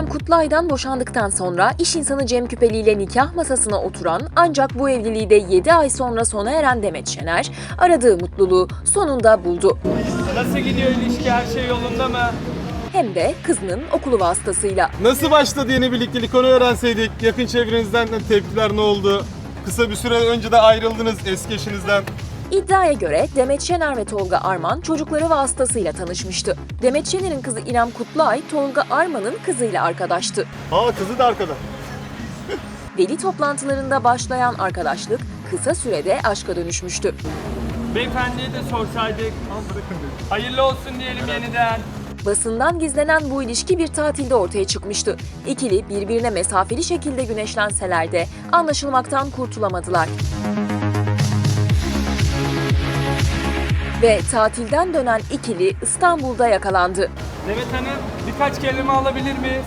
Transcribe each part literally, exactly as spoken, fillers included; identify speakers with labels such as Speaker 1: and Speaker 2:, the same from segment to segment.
Speaker 1: İrem Kutluay'dan boşandıktan sonra iş insanı Cem Küpeli ile nikah masasına oturan ancak bu evliliği de yedi ay sonra sona eren Demet Şener, aradığı mutluluğu sonunda buldu.
Speaker 2: Nasıl gidiyor ilişki, her şey yolunda mı?
Speaker 1: Hem de kızının okulu vasıtasıyla.
Speaker 3: Nasıl başladı yeni birliktelik, onu öğrenseydik. Yakın çevrenizden de tepkiler ne oldu? Kısa bir süre önce de ayrıldınız eski eşinizden.
Speaker 1: İddiaya göre Demet Şener ve Tolga Arman çocukları vasıtasıyla tanışmıştı. Demet Şener'in kızı İrem Kutluay, Tolga Arman'ın kızıyla arkadaştı.
Speaker 3: Aa, kızı da arkada.
Speaker 1: Veli toplantılarında başlayan arkadaşlık kısa sürede aşka dönüşmüştü.
Speaker 2: Beyefendiye de sorsaydık. Hayırlı olsun diyelim yeniden.
Speaker 1: Basından gizlenen bu ilişki bir tatilde ortaya çıkmıştı. İkili birbirine mesafeli şekilde güneşlenseler de anlaşılmaktan kurtulamadılar. Ve tatilden dönen ikili İstanbul'da yakalandı.
Speaker 2: Demet Hanım, birkaç kelime alabilir miyiz?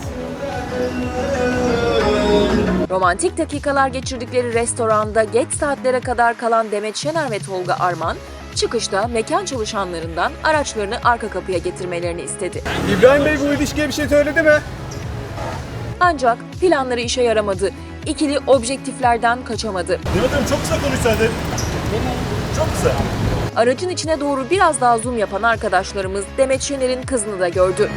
Speaker 1: Romantik dakikalar geçirdikleri restoranda geç saatlere kadar kalan Demet Şener ve Tolga Arman, çıkışta mekan çalışanlarından araçlarını arka kapıya getirmelerini istedi.
Speaker 3: İbrahim Bey bu ilişkiye bir şey söyledi mi?
Speaker 1: Ancak planları işe yaramadı. İkili objektiflerden kaçamadı.
Speaker 3: Demet Hanım çok kısa konuşsaydı. Çok kısa.
Speaker 1: Aracın içine doğru biraz daha zoom yapan arkadaşlarımız Demet Şener'in kızını da gördü.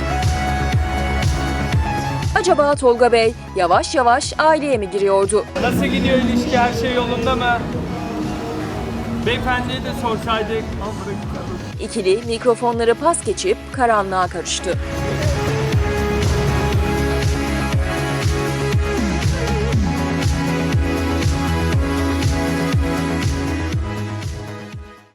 Speaker 1: Acaba Tolga Bey yavaş yavaş aileye mi giriyordu?
Speaker 2: Nasıl gidiyor ilişki, her şey yolunda mı? Beyefendiye de sorsaydık.
Speaker 1: İkili mikrofonları pas geçip karanlığa karıştı.